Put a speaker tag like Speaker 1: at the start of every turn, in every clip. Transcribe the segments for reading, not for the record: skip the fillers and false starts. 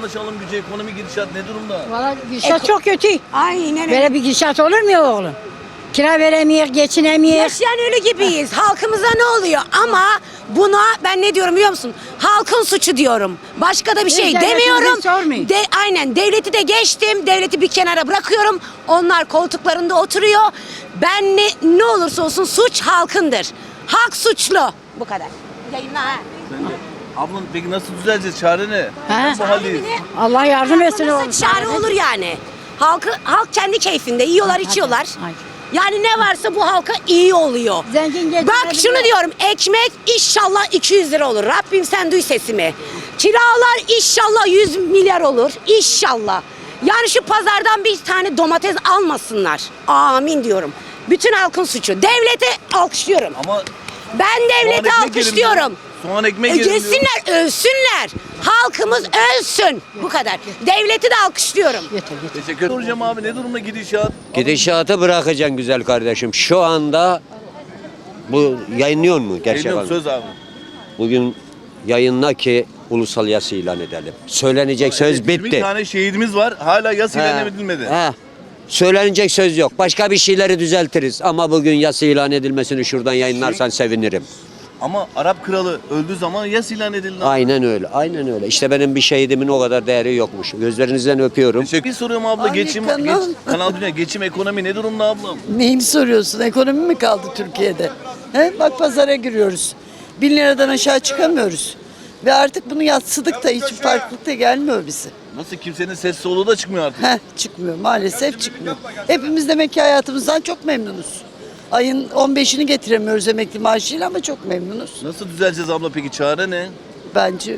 Speaker 1: vatandaş alım gücü, ekonomi gidişat ne durumda?
Speaker 2: Valla gidişat çok kötü.
Speaker 3: Aynen öyle.
Speaker 2: Böyle bir gidişat olur mu ya oğlum? Kira veremiyor, geçinemiyor.
Speaker 3: Yaşayan ölü gibiyiz. Halkımıza ne oluyor? Ama buna ben ne diyorum biliyor musun? Halkın suçu diyorum. Başka da bir şey
Speaker 2: devletimizi
Speaker 3: demiyorum.
Speaker 2: sormayın.
Speaker 3: Aynen devleti de geçtim. Devleti bir kenara bırakıyorum. Onlar koltuklarında oturuyor. Ben ne olursa olsun suç halkındır. Halk suçlu. Bu kadar. Yayınla ha.
Speaker 1: Ablam peki nasıl düzeleceğiz? Çare ne?
Speaker 2: Ha?
Speaker 1: Bu haldeyiz.
Speaker 2: Allah yardım etsin oğlum.
Speaker 3: Nasıl çare olur yani? Halk kendi keyfinde yiyorlar, içiyorlar.
Speaker 2: Hayır.
Speaker 3: Yani ne varsa bu halka iyi oluyor.
Speaker 2: Zengin
Speaker 3: Bak
Speaker 2: geçinebiliyor.
Speaker 3: şunu diyorum, ekmek inşallah 200 lira olur. Rabbim sen duy sesimi. Kiralar inşallah 100 milyar olur. İnşallah. Yani şu pazardan bir tane domates almasınlar. Amin diyorum. Bütün halkın suçu. Devlete alkışlıyorum.
Speaker 1: Ama
Speaker 3: Ben devlete
Speaker 1: soğan ekmek yerim
Speaker 3: alkışlıyorum.
Speaker 1: diyor. Soğan ekmek yerim diyor.
Speaker 3: Yesinler, ölsünler. Halkımız ölsün. Bu kadar. Devleti de alkışlıyorum.
Speaker 2: Yeter.
Speaker 1: Teşekkür ederim. Soracağım abi ne durumda gidişat?
Speaker 4: Gidişatı bırakacaksın güzel kardeşim. Şu anda bu yayınlıyor mu gerçek
Speaker 1: Geliyorum
Speaker 4: anlamda?
Speaker 1: söz abi.
Speaker 4: Bugün yayınla ki ulusal yas ilan edelim. Söylenecek söz
Speaker 1: 20
Speaker 4: bitti.
Speaker 1: tane şehidimiz var. Hala yas ilan edilmedi.
Speaker 4: He. Söylenecek söz yok. Başka bir şeyleri düzeltiriz. Ama bugün yas ilan edilmesini şuradan yayınlarsan sevinirim.
Speaker 1: Ama Arap kralı öldüğü zaman yas ilan edildi.
Speaker 4: Aynen öyle. Aynen öyle. İşte benim bir şehidimin o kadar değeri yokmuş. Gözlerinizden öpüyorum.
Speaker 1: Bir soruyorum abla.
Speaker 5: Hangi kanal?
Speaker 1: Kanal Dünya geçim ekonomi ne durumda ablam?
Speaker 5: Neyini soruyorsun? Ekonomi mi kaldı Türkiye'de? He? Bak pazara giriyoruz. 1000 liradan aşağı çıkamıyoruz. Ve artık bunu yatsıdık da hiçbir farklılık da gelmiyor bize.
Speaker 1: Nasıl kimsenin ses soluğu da çıkmıyor artık.
Speaker 5: Çıkmıyor. Maalesef çıkmıyor. Hepimiz demek ki hayatımızdan çok memnunuz. Ayın 15'ini getiremiyoruz emekli maaşıyla ama çok memnunuz.
Speaker 1: Nasıl düzeleceğiz abla peki? Çare ne?
Speaker 5: Bence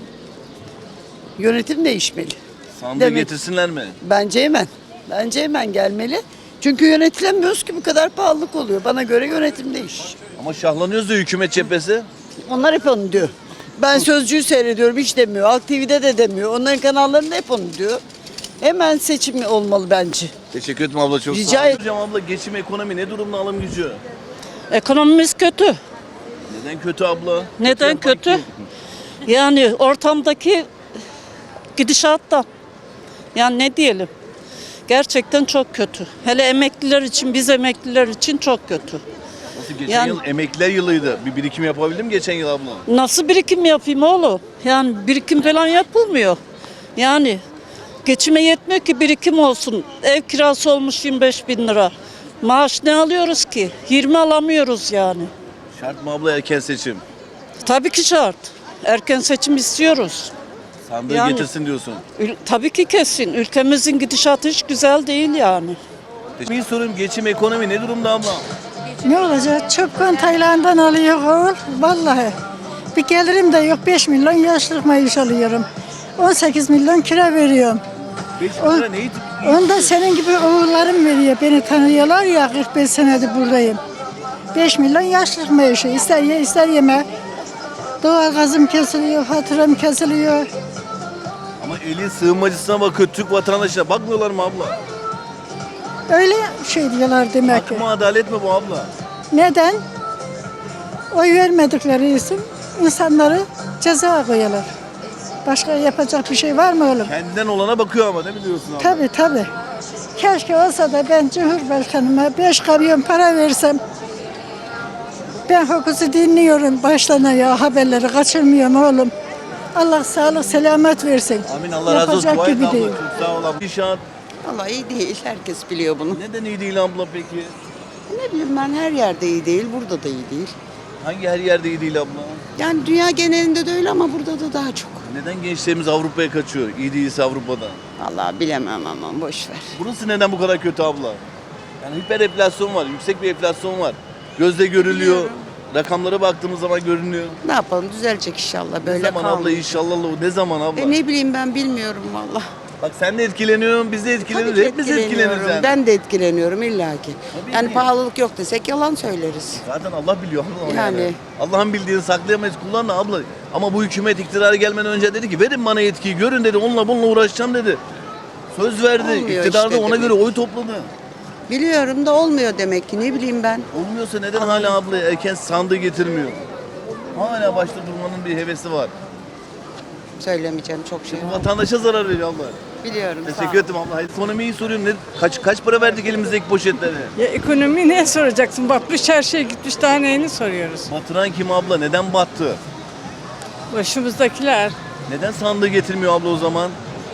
Speaker 5: yönetim değişmeli.
Speaker 1: Sandığı
Speaker 5: Demek-
Speaker 1: getirsinler mi?
Speaker 5: Bence hemen. Bence hemen gelmeli. Çünkü yönetilemiyoruz ki bu kadar pahalılık oluyor. Bana göre yönetim değiş.
Speaker 1: Ama şahlanıyoruz da hükümet cephesi.
Speaker 5: Onlar hep onu diyor. Ben Sözcü'yü seyrediyorum hiç demiyor. Halk TV'de de demiyor. Onların kanallarında hep onu diyor. Hemen seçim olmalı bence.
Speaker 1: Teşekkür ederim abla çok
Speaker 5: Rica
Speaker 1: sağ ol.
Speaker 5: ederim.
Speaker 1: Hocam abla geçim ekonomi ne durumda alım gücü?
Speaker 6: Ekonomimiz kötü.
Speaker 1: Neden kötü abla?
Speaker 6: Neden
Speaker 1: yapan
Speaker 6: kötü?
Speaker 1: kim?
Speaker 6: Yani ortamdaki gidişattan. Yani ne diyelim? Gerçekten çok kötü. Hele emekliler için, biz emekliler için çok kötü.
Speaker 1: Nasıl geçen
Speaker 6: Yani-
Speaker 1: yıl emekliler yılıydı. Bir birikim yapabildim geçen yıl abla.
Speaker 6: Nasıl birikim yapayım oğlum? Yani birikim falan yapılmıyor. Yani geçime yetmiyor ki birikim olsun. Ev kirası olmuş 25 bin lira. Maaş ne alıyoruz ki? 20 alamıyoruz yani.
Speaker 1: Şart mı abla erken seçim?
Speaker 6: Tabii ki şart. Erken seçim istiyoruz.
Speaker 1: Sandığı
Speaker 6: Yani-
Speaker 1: getirsin diyorsun.
Speaker 6: Tabii ki kesin. Ülkemizin gidişatı hiç güzel değil yani.
Speaker 1: Bir sorum geçim ekonomi ne durumda abla?
Speaker 7: Ne olacak? Çöp konteynerden alıyor oğul. Vallahi. Bir gelirim de yok. 5 milyon yaşlılık maaş alıyorum. 18 milyon kira veriyorum.
Speaker 1: 5 lira neyi?
Speaker 7: Onu da senin gibi oğullarım veriyor. Beni tanıyorlar ya 45 senedir buradayım. 5 milyon yaşlılık maaşı. İster ye ister yeme. Doğalgazım kesiliyor, faturam kesiliyor.
Speaker 1: Ama eli sığınmacısına bakıyor, Türk vatandaşına bakmıyorlar mı abla?
Speaker 7: Öyle şey diyorlar demek
Speaker 1: Hak
Speaker 7: ki.
Speaker 1: mı adalet mi bu abla?
Speaker 7: Neden? Oy vermedikleri için insanları ceza koyuyorlar. Başka yapacak bir şey var mı oğlum?
Speaker 1: Kendinden olana bakıyor ama ne biliyorsun abla?
Speaker 7: Tabii tabii. Keşke olsa da ben Cumhurbaşkanıma 5 kamyon para versem. Ben hukuku dinliyorum baştan ayağa haberleri kaçırmıyorum oğlum. Allah sağlık selamet versin.
Speaker 1: Amin Allah razı olsun.
Speaker 7: Yapacak
Speaker 1: Dua et
Speaker 7: gibi
Speaker 1: abla,
Speaker 7: değil.
Speaker 1: çok sağ ol abla. İnşaat
Speaker 5: Vallahi iyi değil. Herkes biliyor bunu.
Speaker 1: neden iyi değil abla peki?
Speaker 5: Ne bileyim ben her yerde iyi değil. Burada da iyi değil.
Speaker 1: Hangi her yerde iyi değil abla?
Speaker 5: Yani dünya genelinde de öyle ama burada da daha çok.
Speaker 1: Neden gençlerimiz Avrupa'ya kaçıyor? İyi değilse Avrupa'da.
Speaker 5: Vallahi bilemem ama boş ver.
Speaker 1: Burası neden bu kadar kötü abla? Yani hiper enflasyon var, yüksek bir enflasyon var. Gözle görülüyor. Rakamlara baktığımız zaman görünüyor.
Speaker 5: Ne yapalım düzelecek inşallah
Speaker 1: Ne
Speaker 5: böyle
Speaker 1: zaman abla
Speaker 5: kalmayacak.
Speaker 1: inşallah ne zaman abla?
Speaker 5: Ne bileyim ben bilmiyorum valla.
Speaker 1: Bak sen de etkileniyorsun, biz de
Speaker 5: Tabii
Speaker 1: etkileniyoruz.
Speaker 5: ki
Speaker 1: Hepimiz etkileniyoruz yani.
Speaker 5: Ben de etkileniyorum illaki.
Speaker 1: Tabii
Speaker 5: Yani
Speaker 1: ki.
Speaker 5: pahalılık yok desek yalan söyleriz.
Speaker 1: Zaten Allah biliyor abla yani.
Speaker 5: Yani.
Speaker 1: Allah'ın bildiğini saklayamayız kullanma abla. Ama bu hükümet iktidara gelmeden önce dedi ki verin bana yetkiyi görün dedi onunla bununla uğraşacağım dedi. Söz verdi.
Speaker 5: Olmuyor
Speaker 1: İktidarda
Speaker 5: işte
Speaker 1: ona
Speaker 5: demek.
Speaker 1: göre oy topladı.
Speaker 5: Biliyorum da olmuyor demek ki ne bileyim ben.
Speaker 1: Olmuyorsa neden hala abla erken sandığı getirmiyor? Hala başta durmanın bir hevesi var.
Speaker 8: Söylemeyeceğim çok şey var.
Speaker 1: Vatandaşa zarar veriyor abla.
Speaker 8: Biliyorum. sağ
Speaker 1: Teşekkür
Speaker 8: ol.
Speaker 1: ederim abla. Hayır, ekonomiyi soruyorum. Kaç para verdik elimizdeki poşetlere?
Speaker 9: Ya ekonomi ne soracaksın? Batmış her şey gitmiş daha neyini soruyoruz?
Speaker 1: Batıran kim abla? Neden battı?
Speaker 9: Başımızdakiler
Speaker 1: Neden sandığı getirmiyor abla o zaman?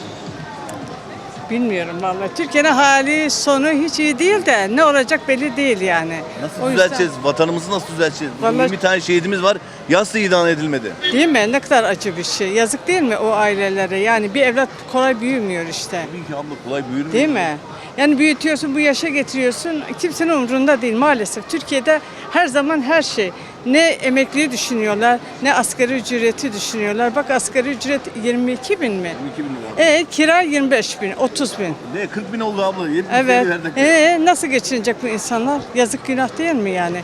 Speaker 9: bilmiyorum vallahi. Türkiye'nin hali sonu hiç iyi değil de ne olacak belli değil yani.
Speaker 1: Nasıl
Speaker 9: O yüzden-
Speaker 1: düzelteceğiz? Vatanımızı nasıl düzelteceğiz?
Speaker 9: Vallahi-
Speaker 1: 20 tane şehidimiz var. Yaslı idam edilmedi.
Speaker 9: Değil mi? Ne kadar acı bir şey. Yazık değil mi o ailelere? Yani bir evlat kolay büyümüyor işte.
Speaker 1: Tabii ki abla kolay büyür mü?
Speaker 9: Değil mi? Yani büyütüyorsun, bu yaşa getiriyorsun. Kimsenin umurunda değil maalesef. Türkiye'de her zaman her şey. Ne emekliyi düşünüyorlar, ne asgari ücreti düşünüyorlar. Bak asgari ücret 22 bin mi?
Speaker 1: 22 bin lira.
Speaker 9: Kira 25 bin, 30 bin.
Speaker 1: Ne 40 bin oldu abla. 70
Speaker 9: Evet.
Speaker 1: verdik.
Speaker 9: Nasıl geçinecek bu insanlar? Yazık günah değil mi yani?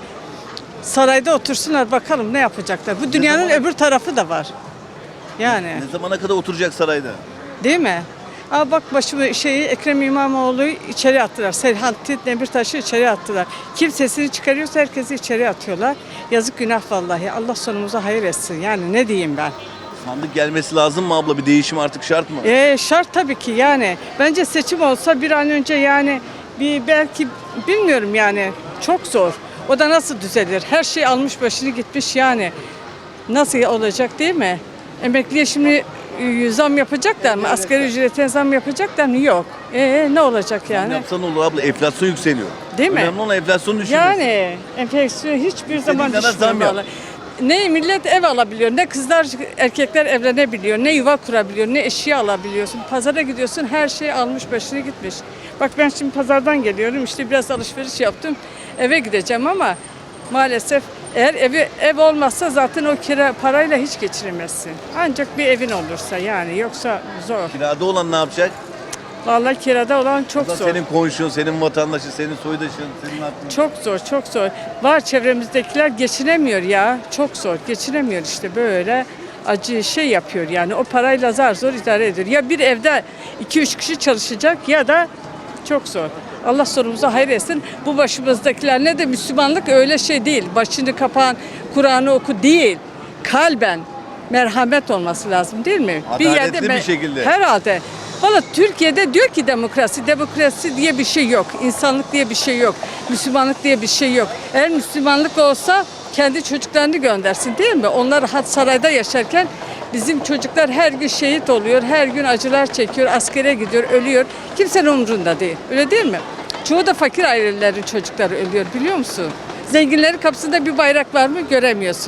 Speaker 9: Sarayda otursunlar bakalım ne yapacaklar. Bu dünyanın
Speaker 1: zaman-
Speaker 9: öbür tarafı da var. Yani
Speaker 1: Ne zamana kadar oturacak sarayda?
Speaker 9: değil mi? Aa bak Ekrem İmamoğlu'yu içeri attılar. Selahattin Demirtaş'ı içeri attılar. Kim sesini çıkarıyorsa herkesi içeri atıyorlar. Yazık günah vallahi. Allah sonumuza hayır etsin. Yani ne diyeyim ben?
Speaker 1: Sandık gelmesi lazım mı abla? Bir değişim artık şart mı?
Speaker 9: Şart tabii ki yani. Bence seçim olsa bir an önce yani belki bilmiyorum yani çok zor. O da nasıl düzelir? Her şey almış başını gitmiş yani. Nasıl olacak değil mi? Emekliye şimdi zam yapacaklar mı? Asgari ücrete zam yapacaklar mı? Yok. Ne olacak
Speaker 1: Ne
Speaker 9: yani?
Speaker 1: yapsan olur abla. Enflasyon yükseliyor.
Speaker 9: Değil mi?
Speaker 1: Önemli olan enflasyonu düşürmesi.
Speaker 9: Yani enflasyon hiçbir zaman
Speaker 1: kadar zam
Speaker 9: düşmüyor.
Speaker 1: yap.
Speaker 9: vallahi. Ne millet ev alabiliyor, ne kızlar, erkekler evlenebiliyor, ne yuva kurabiliyor, ne eşya alabiliyorsun. Pazara gidiyorsun, her şey almış başını gitmiş. Bak ben şimdi pazardan geliyorum, işte biraz alışveriş yaptım, eve gideceğim ama maalesef eğer ev olmazsa zaten o kira parayla hiç geçiremezsin. Ancak bir evin olursa yani, yoksa zor.
Speaker 1: Kirada olan ne yapacak?
Speaker 9: Vallahi kirada olan çok
Speaker 1: Abla
Speaker 9: zor.
Speaker 1: senin komşun, senin vatandaşın, senin soydaşın, senin hakkın.
Speaker 9: Çok zor, çok zor. Var çevremizdekiler geçinemiyor ya. Çok zor. Geçinemiyor işte böyle acı şey yapıyor yani. O parayla zar zor idare ediyor. Ya bir evde 2-3 kişi çalışacak ya da çok zor. Allah sonumuza hayır etsin. Bu başımızdakiler ne de Müslümanlık öyle şey değil. Başını kapan, Kur'an'ı oku değil. Kalben merhamet olması lazım değil mi?
Speaker 1: Adaletli bir şekilde.
Speaker 9: Herhalde. Valla Türkiye'de diyor ki demokrasi diye bir şey yok. İnsanlık diye bir şey yok. Müslümanlık diye bir şey yok. Eğer Müslümanlık olsa kendi çocuklarını göndersin değil mi? Onlar rahat sarayda yaşarken bizim çocuklar her gün şehit oluyor, her gün acılar çekiyor, askere gidiyor, ölüyor. Kimsenin umrunda değil. Öyle değil mi? Çoğu da fakir ailelerin çocukları ölüyor biliyor musun? Zenginlerin kapısında bir bayrak var mı göremiyorsun.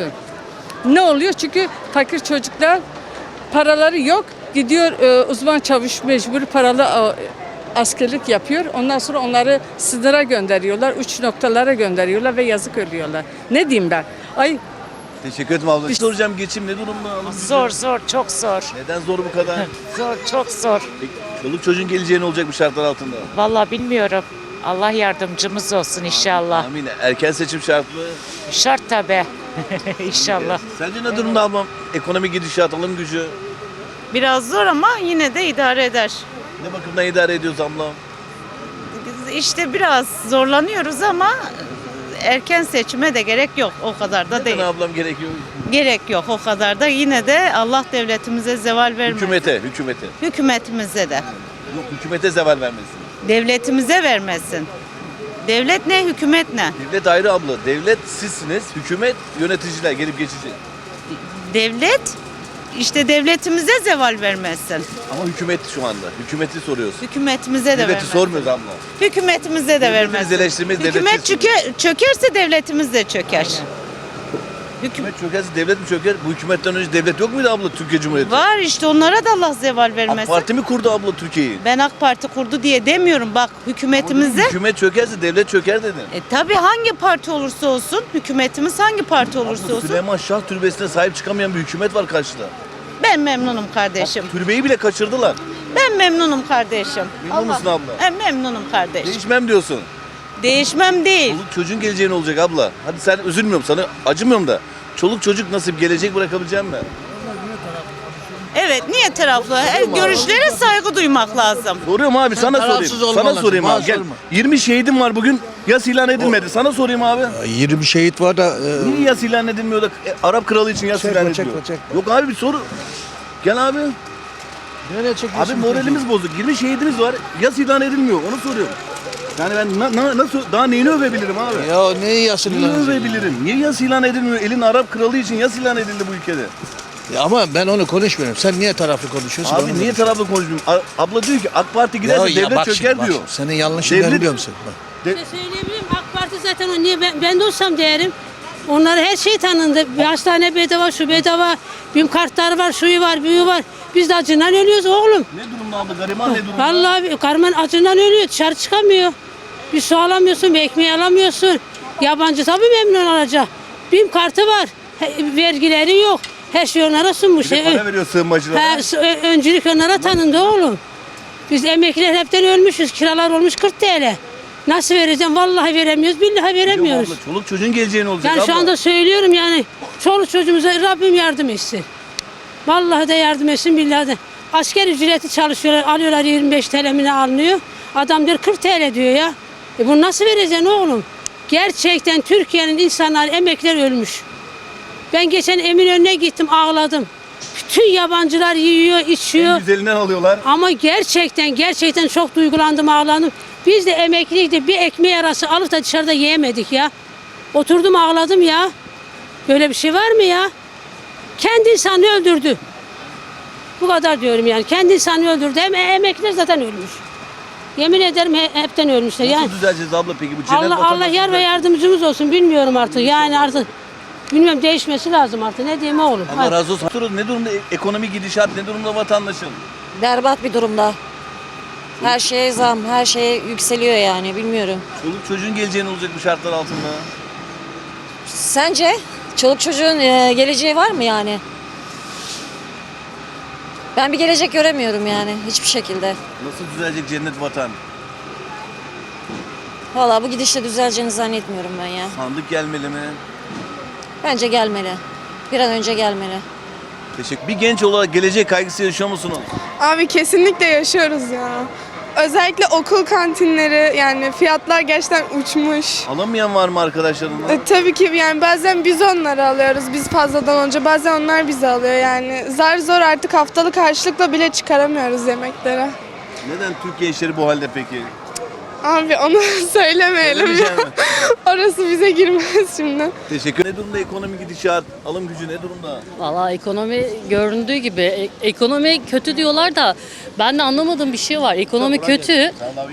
Speaker 9: Ne oluyor? Çünkü fakir çocuklar paraları yok. Gidiyor uzman çavuş mecburi paralı askerlik yapıyor. Ondan sonra onları sınıra gönderiyorlar. Uç noktalara gönderiyorlar ve yazık ölüyorlar. Ne diyeyim ben? Ay
Speaker 1: Teşekkür ederim abla. Soracağım geçim ne durumda? Alım gücü?
Speaker 10: Zor, çok zor.
Speaker 1: Neden zor bu kadar?
Speaker 10: Zor, çok zor.
Speaker 1: Peki, çoluk çocuğun geleceği ne olacak bu şartlar altında?
Speaker 10: Vallahi bilmiyorum. Allah yardımcımız olsun inşallah.
Speaker 1: Amin. Erken seçim şart mı?
Speaker 10: Şart tabii. İnşallah.
Speaker 1: Sence ne durumda ablam? Ekonomi gidişat, alım gücü?
Speaker 11: Biraz zor ama yine de idare eder.
Speaker 1: Ne bakımdan idare ediyoruz ablam?
Speaker 11: İşte biraz zorlanıyoruz ama erken seçime de gerek yok. O kadar da değil.
Speaker 1: Neden ablam gerekiyor?
Speaker 11: Gerek yok o kadar da. Yine de Allah devletimize zeval vermesin.
Speaker 1: Hükümete.
Speaker 11: Hükümetimize de.
Speaker 1: Yok hükümete zeval vermesin.
Speaker 11: Devletimize vermesin. Devlet ne, hükümet ne?
Speaker 1: Devlet ayrı abla. Devlet sizsiniz, hükümet yöneticiler gelip geçecek.
Speaker 11: Devlet işte devletimize zeval vermesin.
Speaker 1: Ama hükümet şu anda. Hükümeti soruyoruz.
Speaker 11: Hükümetimize de
Speaker 1: Devleti
Speaker 11: vermesin.
Speaker 1: sormuyoruz abla.
Speaker 11: Hükümetimize de
Speaker 1: Devletimiz
Speaker 11: vermesin.
Speaker 1: eleştirmeyiz,
Speaker 11: Hükümet çökerse devletimiz de çöker.
Speaker 1: Hükümet çökerse devlet mi çöker? Bu hükümetten önce devlet yok muydu abla Türkiye Cumhuriyeti?
Speaker 11: Var işte onlara da Allah zeval vermesin.
Speaker 1: AK Parti mi kurdu abla Türkiye'yi?
Speaker 11: Ben AK Parti kurdu diye demiyorum. Bak hükümetimize.
Speaker 1: Hükümet çökerse devlet çöker dedin.
Speaker 11: Tabii hangi parti olursa olsun, hükümetimiz hangi parti olursa olsun.
Speaker 1: Süleyman Şah Türbesi'ne sahip çıkamayan bir hükümet var karşıda.
Speaker 11: Ben memnunum kardeşim.
Speaker 1: Türbeyi bile kaçırdılar.
Speaker 11: Ben memnunum kardeşim.
Speaker 1: Memnun musun abla?
Speaker 11: Memnunum kardeşim.
Speaker 1: Değişmem diyorsun.
Speaker 11: Değişmem değil.
Speaker 1: Çoluk çocuğun geleceği ne olacak abla? Hadi sen üzülmüyorum sana acımıyorum da. Çoluk çocuk nasıl bir gelecek bırakabileceğim mi?
Speaker 11: Evet, niye taraflı? Görüşlere saygı duymak lazım.
Speaker 1: Soruyorum abi sana sorayım. Sana sorayım abi gel. 20 şehidim var bugün. Yas ilan edilmedi. Sana sorayım abi.
Speaker 12: 20 şehit var da
Speaker 1: Niye yas ilan edilmiyor da Arap kralı için yas ilan ediliyor?
Speaker 12: çekme.
Speaker 1: Yok abi bir soru. Gel abi.
Speaker 12: Nereye çekiyorsun?
Speaker 1: Abi moralimiz bozuk. 20 şehidimiz var. Yas ilan edilmiyor. Onu soruyorum. Yani ben nasıl daha neyini övebilirim abi?
Speaker 12: Ya neyi yasın
Speaker 1: Neyi övebilirim? Niye yas ilan edilmiyor? Elin Arap kralı için yas ilan edildi bu ülkede.
Speaker 12: Ya ama ben onu konuşmuyorum. Sen niye taraflı konuşuyorsun?
Speaker 1: Abi niye taraflı konuşmuyorum? Abla diyor ki AK Parti giderse devlet çöker diyor.
Speaker 12: Senin yanlışını
Speaker 1: Devlet-
Speaker 12: biliyor musun? Bak.
Speaker 2: Söyleyebilirim. AK Parti zaten o niye ben de olsam derim. Onlar her şey tanındı. Bir hastane bedava, şu bedava. BİM kartları var, şuyu var, büyüğü var. Biz de acından ölüyoruz oğlum.
Speaker 1: Ne durumda abla? Gariban ne durumda?
Speaker 2: Vallahi karman acından ölüyor. Dışarı çıkamıyor. Bir su alamıyorsun, bir ekmeği alamıyorsun. Yabancı tabii memnun olacak. BİM kartı var. Vergileri yok. Her şey onlara sunmuş.
Speaker 1: Bir de para veriyor sığınmacılara.
Speaker 2: Öncülük onlara tanındı oğlum. Biz emekliler hepten ölmüşüz. Kiralar olmuş 40 TL. Nasıl vereceğim? Vallahi veremiyoruz, billahi veremiyoruz.
Speaker 1: Abla, çoluk çocuğun geleceğini olacak
Speaker 2: Yani
Speaker 1: abla.
Speaker 2: şu anda söylüyorum yani. Çoluk çocuğumuza Rabbim yardım etsin. Vallahi de yardım etsin, billahi de. Asker ücreti çalışıyorlar, alıyorlar 25 TL mi ne alınıyor. Adam diyor 40 TL diyor ya. Bunu nasıl vereceksin oğlum? Gerçekten Türkiye'nin insanları, emekliler ölmüş. Ben geçen Eminönü'ne gittim, ağladım. Bütün yabancılar yiyor, içiyor.
Speaker 1: En güzelinden alıyorlar.
Speaker 2: Ama gerçekten çok duygulandım, ağladım. Biz de emekliydik, bir ekmeği arası alıp da dışarıda yiyemedik ya. Oturdum ağladım ya. Böyle bir şey var mı ya? Kendi insanı öldürdü. Bu kadar diyorum yani. Kendi insanı öldürdü. Hem emekliler zaten ölmüş. Yemin ederim hepten ölmüşler.
Speaker 1: Nasıl
Speaker 2: Yani
Speaker 1: düzeleceğiz abla peki bu cennet
Speaker 2: Allah
Speaker 1: vatandaşı
Speaker 2: yar ve
Speaker 1: düzeltecek?
Speaker 2: yardımcımız olsun. Bilmiyorum artık. Yani artık bilmiyorum, değişmesi lazım artık. Ne diyeyim oğlum?
Speaker 1: Allah razı olsun. Ne durumda ekonomi gidişat, ne durumda vatandaşın?
Speaker 8: Berbat bir durumda. Her şeye zam, her şeye yükseliyor yani bilmiyorum.
Speaker 1: Çoluk çocuğun geleceğini olacak bu şartlar altında.
Speaker 8: Sence çoluk çocuğun geleceği var mı yani? Ben bir gelecek göremiyorum yani hiçbir şekilde.
Speaker 1: Nasıl düzelecek cennet vatan?
Speaker 8: Vallahi bu gidişle düzeleceğini zannetmiyorum ben ya.
Speaker 1: Sandık gelmeli mi?
Speaker 8: Bence gelmeli. Bir an önce gelmeli.
Speaker 1: Teşekkür. Bir genç olarak gelecek kaygısı yaşıyor musunuz?
Speaker 13: Abi kesinlikle yaşıyoruz ya. Özellikle okul kantinleri yani fiyatlar gerçekten uçmuş.
Speaker 1: Alamayan var mı arkadaşlarından?
Speaker 13: Tabii ki yani bazen biz onları alıyoruz biz fazladan önce bazen onlar bizi alıyor yani. Zar zor artık haftalık harçlıkla bile çıkaramıyoruz yemeklere.
Speaker 1: Neden Türk gençleri bu halde peki?
Speaker 13: Abi onu söylemeyelim ya.
Speaker 1: Söylemeyeceğim mi?
Speaker 13: Orası bize girmez şimdi.
Speaker 1: Teşekkür. Ne durumda ekonomi gidişat, alım gücü ne durumda?
Speaker 14: Valla ekonomi göründüğü gibi ekonomi kötü diyorlar da ben de anlamadığım bir şey var. Ekonomi kötü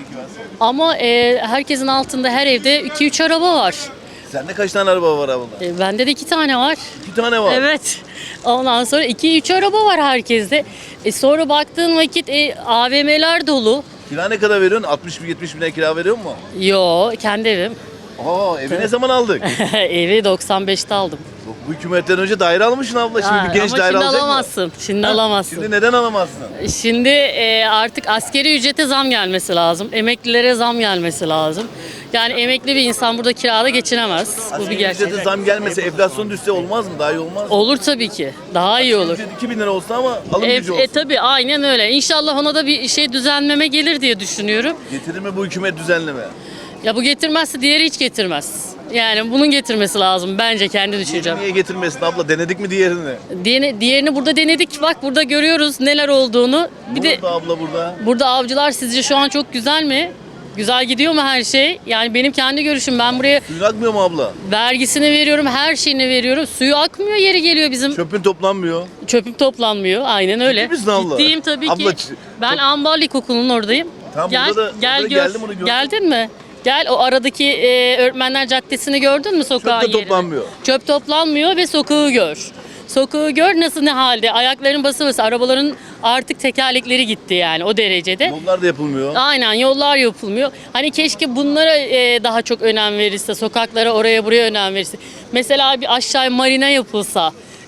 Speaker 14: ama herkesin altında her evde 2-3 araba var.
Speaker 1: Sende kaç tane araba var abla?
Speaker 14: Bende de 2 tane var.
Speaker 1: 2 tane var.
Speaker 14: Evet. Ondan sonra 2-3 araba var herkeste. Sonra baktığın vakit AVM'ler dolu.
Speaker 1: Kira ne kadar veriyorsun? 60-70 bin kira veriyor mu?
Speaker 14: Yo, kendi evim.
Speaker 1: Aa, evi ne zaman aldık?
Speaker 14: Evi 95'te aldım.
Speaker 1: Bu hükümetten önce daire almışsın abla. Şimdi bir genç
Speaker 14: ama
Speaker 1: daire
Speaker 14: şimdi
Speaker 1: alacak mı?
Speaker 14: alamazsın. Şimdi alamazsın.
Speaker 1: Şimdi neden alamazsın?
Speaker 14: Şimdi artık askeri ücrete zam gelmesi lazım. Emeklilere zam gelmesi lazım. Yani emekli bir insan burada kirada geçinemez. Bu bir gerçek.
Speaker 1: Ücrete zam gelmese, enflasyon düşse olmaz mı? Daha iyi olmaz mı?
Speaker 14: Olur tabii ki. Daha iyi olur.
Speaker 1: Ücret 2000 lira olsa ama alım gücü olsun.
Speaker 14: Tabii aynen öyle. İnşallah ona da bir şey düzenleme gelir diye düşünüyorum.
Speaker 1: Getirir mi bu hükümet düzenleme?
Speaker 14: Ya bu getirmezse diğeri hiç getirmez. Yani bunun getirmesi lazım bence kendi düşüncem.
Speaker 1: Niye getirmesin abla? Denedik mi diğerini?
Speaker 14: Diğerini burada denedik. Bak burada görüyoruz neler olduğunu. Bir de
Speaker 1: Burada abla burada.
Speaker 14: burada avcılar sizce şu an çok güzel mi? Güzel gidiyor mu her şey? Yani benim kendi görüşüm, ben buraya
Speaker 1: Suyun akmıyor mu abla?
Speaker 14: vergisini veriyorum, her şeyini veriyorum. Suyu akmıyor, yeri geliyor bizim.
Speaker 1: Çöpün toplanmıyor.
Speaker 14: Çöpüm toplanmıyor. Aynen öyle.
Speaker 1: Ciddi misin abla?
Speaker 14: Ciddiyim tabii
Speaker 1: Abla,
Speaker 14: ki. Ben Ambarlı İlkokulu'nun oradayım.
Speaker 1: Tamam,
Speaker 14: Gel,
Speaker 1: burada da-
Speaker 14: gel
Speaker 1: burada
Speaker 14: gör.
Speaker 1: geldim, onu gördüm.
Speaker 14: Geldin mi? Gel o aradaki Öğretmenler Caddesi'ni gördün mü, sokağın
Speaker 1: Çöp de
Speaker 14: yerini?
Speaker 1: toplanmıyor.
Speaker 14: Çöp toplanmıyor ve sokağı gör. Sokağı gör nasıl, ne halde. Ayakların bası bası. Arabaların artık tekerlekleri gitti yani o derecede.
Speaker 1: Yollar da yapılmıyor.
Speaker 14: Aynen, yollar yapılmıyor. Hani keşke bunlara daha çok önem verirse, sokaklara oraya buraya önem verirse. Mesela bir aşağı marina yapılsa,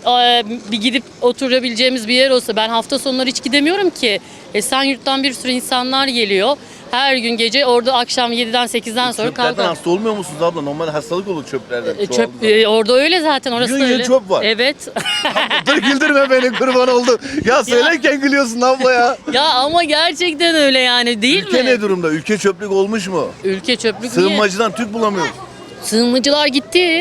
Speaker 14: bir gidip oturabileceğimiz bir yer olsa. Ben hafta sonları hiç gidemiyorum ki. Esenyurt'tan bir sürü insanlar geliyor. Her gün gece orada akşam 7'den 8'den sonra
Speaker 1: Çöplerden
Speaker 14: kalkar.
Speaker 1: hasta olmuyor musunuz abla? Normal hastalık olur çöplerden.
Speaker 14: Çöp orada öyle zaten, orası
Speaker 1: Yıl
Speaker 14: da
Speaker 1: yıl
Speaker 14: öyle.
Speaker 1: çöp var.
Speaker 14: Evet.
Speaker 1: Dur güldürme beni, kurban oldum. Ya söylerken gülüyorsun abla ya.
Speaker 14: Ya ama gerçekten öyle yani, değil
Speaker 1: Ülke
Speaker 14: mi?
Speaker 1: ne durumda? Ülke çöplük olmuş mu?
Speaker 14: Ülke çöplük niye?
Speaker 1: Sığınmacıdan Türk bulamıyoruz.
Speaker 14: Sığınmacılar gitti.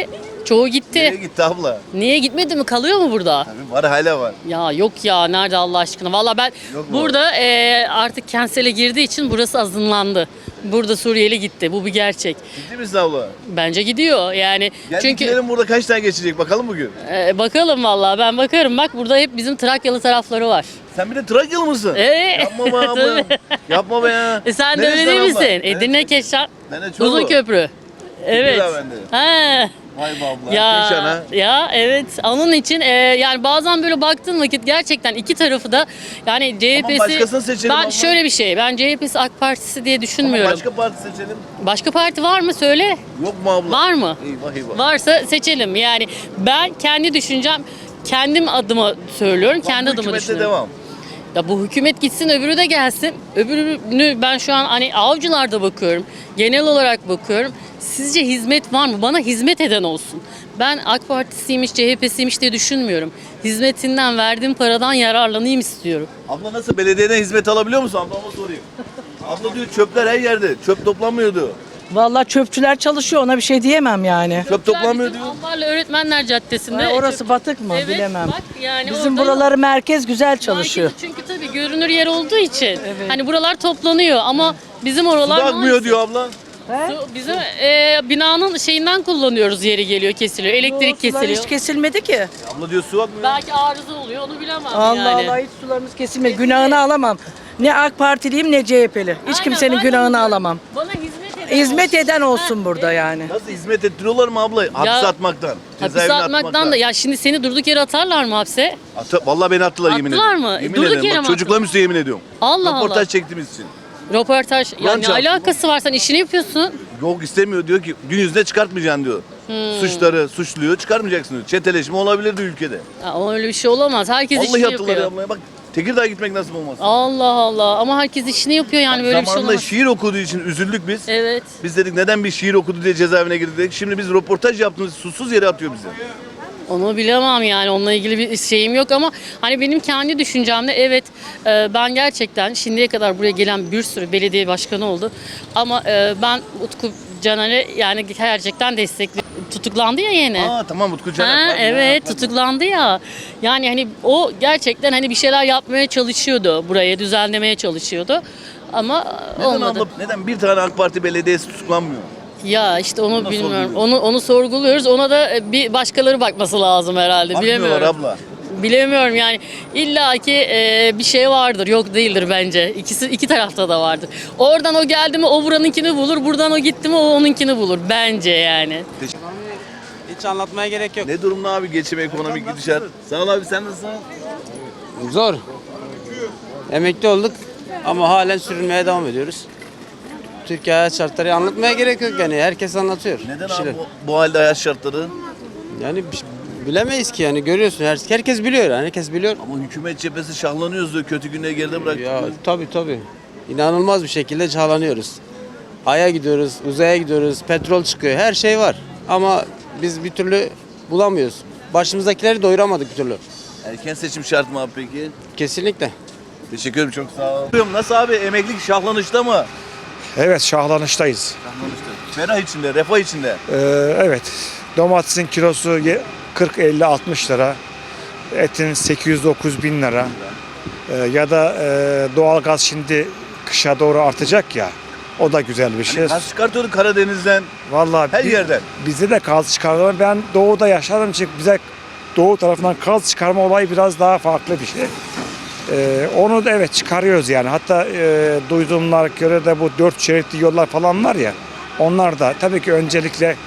Speaker 14: Çoğu gitti.
Speaker 1: Nereye gitti abla?
Speaker 14: Niye gitmedi mi? Kalıyor mu burada?
Speaker 1: Tabii var, hala var.
Speaker 14: Ya yok ya, nerede Allah aşkına? Valla ben
Speaker 1: Yok mu?
Speaker 14: burada artık Kensel'e girdiği için burası azınlandı. Burada Suriyeli gitti. Bu bir gerçek.
Speaker 1: Ciddi misin abla?
Speaker 14: Bence gidiyor yani. Çünkü
Speaker 1: Geldiklerin burada kaç tane geçecek bakalım bugün.
Speaker 14: bakalım valla, ben bakarım. Bak burada hep bizim Trakyalı tarafları var.
Speaker 1: Sen bir de Trakyalı mısın? Yapma be abla.
Speaker 14: Tabii.
Speaker 1: Yapma be ya.
Speaker 14: Sen de
Speaker 1: Neresi
Speaker 14: öyle değil
Speaker 1: abla?
Speaker 14: misin?
Speaker 1: Neresi?
Speaker 14: Edirne, Keşan,
Speaker 1: Ben de Çorlu.
Speaker 14: Uzun Köprü. Evet.
Speaker 1: Tekirdağ bende.
Speaker 14: Ha.
Speaker 1: Vay be abla. Keşan ha.
Speaker 14: Ya evet, onun için yani bazen böyle baktığın vakit gerçekten iki tarafı da, yani CHP'si,
Speaker 1: başkasını seçelim
Speaker 14: ben
Speaker 1: abla.
Speaker 14: şöyle bir şey, ben CHP'si AK Partisi diye
Speaker 1: Ama
Speaker 14: düşünmüyorum.
Speaker 1: başka parti seçelim.
Speaker 14: Başka parti var mı söyle?
Speaker 1: Yok mu abla?
Speaker 14: Var mı?
Speaker 1: Eyvah eyvah.
Speaker 14: Varsa seçelim. Yani ben kendi düşüncem, kendim adıma söylüyorum, kendi
Speaker 1: Bu
Speaker 14: adıma
Speaker 1: hükümette
Speaker 14: düşünüyorum.
Speaker 1: devam.
Speaker 14: Ya bu hükümet gitsin, öbürü de gelsin. Öbürünü ben şu an hani avcılarda bakıyorum. Genel olarak bakıyorum. Sizce hizmet var mı? Bana hizmet eden olsun. Ben AK Partisiymiş, CHP'siymiş diye düşünmüyorum. Hizmetinden, verdiğim paradan yararlanayım istiyorum.
Speaker 1: Abla nasıl, belediyeden hizmet alabiliyor musun? Ablama sorayım. Abla diyor çöpler her yerde. Çöp toplanmıyordu.
Speaker 6: Vallahi çöpçüler çalışıyor, ona bir şey diyemem yani.
Speaker 1: Çöp toplanmıyor
Speaker 14: Bizim
Speaker 1: diyor.
Speaker 14: Ambarlı Öğretmenler Caddesi'nde.
Speaker 6: Orası batık mı
Speaker 14: Evet,
Speaker 6: bilemem.
Speaker 14: bak yani
Speaker 6: Bizim
Speaker 14: orada-
Speaker 6: buraları merkez güzel çalışıyor.
Speaker 14: Merkezi, çünkü tabii görünür yer olduğu için. Hani buralar toplanıyor ama bizim oralar
Speaker 1: Su da akmıyor diyor abla.
Speaker 14: Su, bizim binanın şeyinden kullanıyoruz, yeri geliyor, kesiliyor. Elektrik kesiliyor.
Speaker 6: Hiç kesilmedi ki.
Speaker 1: Abla diyor su akmıyor.
Speaker 14: Belki arıza oluyor, onu bilemem
Speaker 6: Allah
Speaker 14: yani.
Speaker 6: Allah, hiç sularımız kesilmedi. Günahını alamam. Ne AK Partiliyim ne CHP'li. Hiç
Speaker 14: Aynen,
Speaker 6: kimsenin
Speaker 14: ben de
Speaker 6: günahını
Speaker 14: onu-
Speaker 6: alamam.
Speaker 14: Bana hizmet eden
Speaker 6: Hizmet
Speaker 14: olsun.
Speaker 6: eden olsun burada yani.
Speaker 1: Nasıl hizmet ettiriyorlar mı abla? Hapse atmaktan.
Speaker 14: Hapise
Speaker 1: cezaevine
Speaker 14: atmaktan da, ya şimdi seni durduk yere atarlar mı hapse?
Speaker 1: Vallahi beni attılar, yemin ediyorum.
Speaker 14: Attılar mı?
Speaker 1: Yemin
Speaker 14: Durduk
Speaker 1: ederim.
Speaker 14: yere
Speaker 1: Bak,
Speaker 14: mi
Speaker 1: çocuklarım üstüne yemin ediyorum.
Speaker 14: Allah
Speaker 1: Röportaj
Speaker 14: Allah.
Speaker 1: çektiğimiz için.
Speaker 14: Röportaj, ya
Speaker 1: Yan
Speaker 14: ne
Speaker 1: çarptı.
Speaker 14: alakası var, sen işini yapıyorsun.
Speaker 1: Yok istemiyor, diyor ki gün yüzüne çıkartmayacaksın diyor. Suçları suçluyor, çıkarmayacaksın diyor. Çeteleşme olabilirdi ülkede.
Speaker 14: Ya, öyle bir şey olamaz, herkes
Speaker 1: Vallahi
Speaker 14: işini
Speaker 1: attılar
Speaker 14: yapıyor.
Speaker 1: ablaya. Bak Tekirdağ'a gitmek nasip olmaz.
Speaker 14: Allah Allah, ama herkes işini yapıyor yani, böyle bir şey
Speaker 1: Zamanında
Speaker 14: olamaz.
Speaker 1: şiir okuduğu için üzüldük biz.
Speaker 14: Evet.
Speaker 1: Biz dedik neden bir şiir okudu diye cezaevine girdik dedik. Şimdi biz röportaj yaptığımız susuz yere atıyor bizi.
Speaker 14: Onu bilemem yani, onunla ilgili bir şeyim yok ama hani benim kendi düşüncemde evet, ben gerçekten şimdiye kadar buraya gelen bir sürü belediye başkanı oldu ama ben Utku Caner'e yani gerçekten destekliyorum. Tutuklandı ya yeni.
Speaker 1: Tamam Utku Caner. Pardon
Speaker 14: Evet,
Speaker 1: pardon.
Speaker 14: tutuklandı ya. Yani hani o gerçekten hani bir şeyler yapmaya çalışıyordu, burayı düzenlemeye çalışıyordu ama
Speaker 1: Neden
Speaker 14: olmadı.
Speaker 1: abla, neden bir tane AK Parti belediyesi tutuklanmıyor?
Speaker 14: Ya işte onu
Speaker 1: Onu
Speaker 14: bilmiyorum.
Speaker 1: sorguluyoruz.
Speaker 14: Onu sorguluyoruz. Ona da bir başkaları bakması lazım herhalde.
Speaker 1: Bakmıyorlar
Speaker 14: Bilemiyorum.
Speaker 1: abla.
Speaker 14: Bilemiyorum yani, illaki bir şey vardır, yok değildir bence. İki tarafta da vardır. Oradan o geldi mi o buranınkini bulur, buradan o gitti mi o onunkini bulur bence yani.
Speaker 15: Hiç anlatmaya gerek yok.
Speaker 1: Ne durumda abi geçim, ekonomik gidişat? Sağ ol abi, sen nasılsın?
Speaker 15: Zor. Emekli olduk ama halen sürünmeye devam ediyoruz. Türkiye hayat şartları anlatmaya gerek yok yani. Herkes anlatıyor.
Speaker 1: Neden
Speaker 15: bir şeyler.
Speaker 1: abi bu halde hayat şartları?
Speaker 15: Yani bilemeyiz ki yani, görüyorsun. Herkes biliyor yani. Herkes biliyor.
Speaker 1: Ama hükümet cephesi şahlanıyoruz diyor, kötü günleri geride bıraktık.
Speaker 15: Ya
Speaker 1: diyor.
Speaker 15: tabii. İnanılmaz bir şekilde çağlanıyoruz. Ay'a gidiyoruz, uzaya gidiyoruz, petrol çıkıyor, her şey var. Ama biz bir türlü bulamıyoruz. Başımızdakileri doyuramadık bir türlü.
Speaker 1: Erken seçim şart mı abi peki?
Speaker 15: Kesinlikle.
Speaker 1: Teşekkür ederim, çok sağ ol. Nasıl abi, emeklilik şahlanışta mı?
Speaker 16: Evet, şahlanıştayız.
Speaker 1: Şahlanışta. Ferah içinde, refah içinde.
Speaker 16: Evet, domatesin kilosu 40-50-60 lira, etin 800-9 bin lira. Ya da doğalgaz şimdi kışa doğru artacak ya, o da güzel bir şey.
Speaker 1: Hani gaz çıkartıyordu Karadeniz'den,
Speaker 16: Vallahi
Speaker 1: her yerden.
Speaker 16: Bizde de gaz çıkarma. Ben doğuda yaşadığım için bize doğu tarafından gaz çıkarma olayı biraz daha farklı bir şey. Onu da evet çıkarıyoruz yani. Hatta duyduğumlara göre de bu 4 şeritli yollar falan var ya. Onlar da tabii ki öncelikle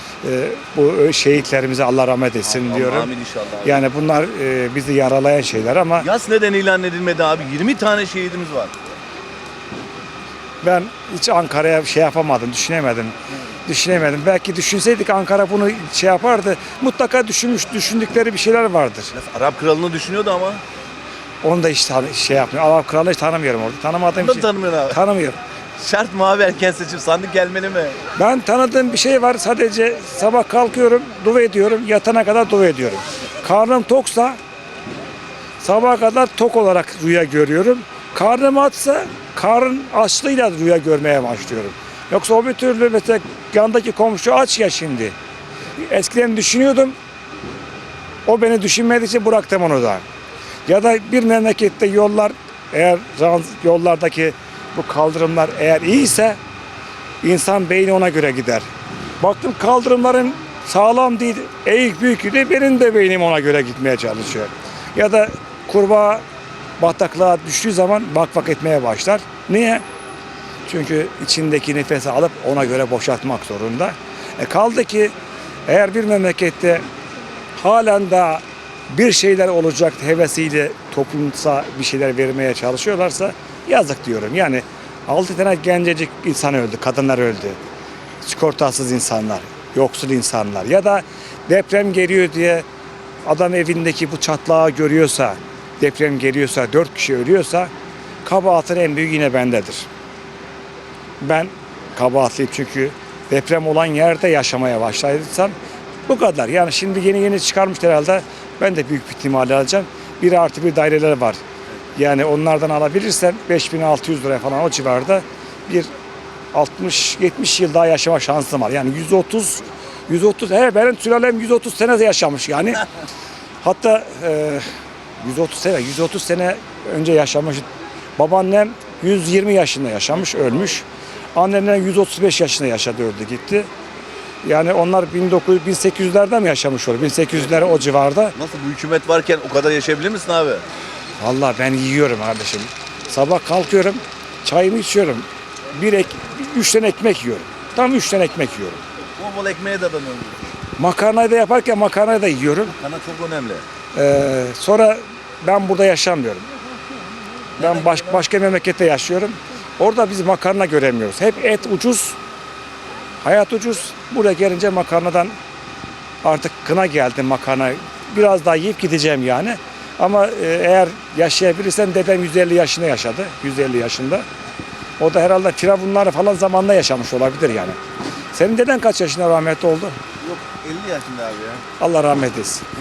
Speaker 16: bu şehitlerimize Allah rahmet etsin diyorum.
Speaker 1: Amin inşallah abi.
Speaker 16: Yani bunlar bizi yaralayan şeyler ama
Speaker 1: Yas neden ilan edilmedi abi? 20 tane şehidimiz var.
Speaker 16: ben hiç Ankara'ya şey yapamadım, düşünemedim. Belki düşünseydik Ankara bunu şey yapardı. Mutlaka düşündükleri bir şeyler vardır.
Speaker 1: Arap kralını düşünüyordu ama.
Speaker 16: Onu da hiç şey yapmıyor. Arap kralı hiç tanımıyorum orada. Tanımadığım
Speaker 1: Onu da
Speaker 16: için.
Speaker 1: tanımıyorsun abi.
Speaker 16: Tanımıyorum.
Speaker 1: Şart mı abi erken seçim? Sandık gelmeli mi?
Speaker 16: Ben tanıdığım bir şey var. Sadece sabah kalkıyorum, dua ediyorum. Yatana kadar dua ediyorum. Karnım toksa sabaha kadar tok olarak rüya görüyorum. Karnım açsa karın açlığıyla rüya görmeye başlıyorum. Yoksa o bir türlü mesela yandaki komşu aç ya şimdi. eskiden düşünüyordum. O beni düşünmediği için bıraktım onu da. Ya da bir memlekette yollar, eğer yollardaki bu kaldırımlar eğer iyiyse insan beyni ona göre gider. Baktım kaldırımların sağlam değil, eğik büyük de benim de beynim ona göre gitmeye çalışıyor. Ya da kurbağa bataklığa düştüğü zaman bak etmeye başlar. Niye? Çünkü içindeki nefesi alıp ona göre boşaltmak zorunda. Kaldı ki eğer bir memlekette halen daha bir şeyler olacak hevesiyle toplumsa bir şeyler vermeye çalışıyorlarsa yazık diyorum. Yani 6 tane gencecik insan öldü, kadınlar öldü. Sigortasız insanlar, yoksul insanlar ya da deprem geliyor diye adam evindeki bu çatlağı görüyorsa, deprem geliyorsa, 4 kişi ölüyorsa kabahatin en büyük yine bendedir. Ben kabahatliyim çünkü deprem olan yerde yaşamaya başladıysam bu kadar. Yani şimdi yeni çıkarmış herhalde. Ben de büyük bir ihtimalle alacağım. 1+1 daireler var. Yani onlardan alabilirsem 5.600 lira falan o civarda bir 60-70 yıl daha yaşama şansım var. Yani 130 benim sülalem 130 sene yaşamış yani. Hatta 130 sene önce yaşamış. Babaannem 120 yaşında yaşamış, ölmüş. Annemler 135 yaşında yaşadı, öldü gitti. Yani onlar 1800'lerde mi yaşamış olur? 1800'ler o civarda.
Speaker 1: Nasıl bu hükümet varken o kadar yaşayabilir misin abi?
Speaker 16: Vallahi ben yiyorum kardeşim. Sabah kalkıyorum, çayımı içiyorum. 3 tane ekmek yiyorum. Tam 3 tane ekmek yiyorum.
Speaker 1: Bol ekmeğe dadanıyorum.
Speaker 16: Makarnayı da yaparken makarnayı da yiyorum.
Speaker 1: Makarna çok önemli.
Speaker 16: Sonra ben burada yaşamıyorum. Ben başka memlekette yaşıyorum. Orada biz makarna göremiyoruz. Hep et ucuz, hayat ucuz. Buraya gelince makarnadan artık kına geldi makarna. Biraz daha yiyip gideceğim yani. Ama eğer yaşayabilirsem dedem 150 yaşında yaşadı. 150 yaşında. O da herhalde firavunlar falan zamanında yaşamış olabilir yani. Senin deden kaç yaşında rahmetli oldu?
Speaker 1: Yok 50 yaşında abi ya.
Speaker 16: Allah rahmet etsin.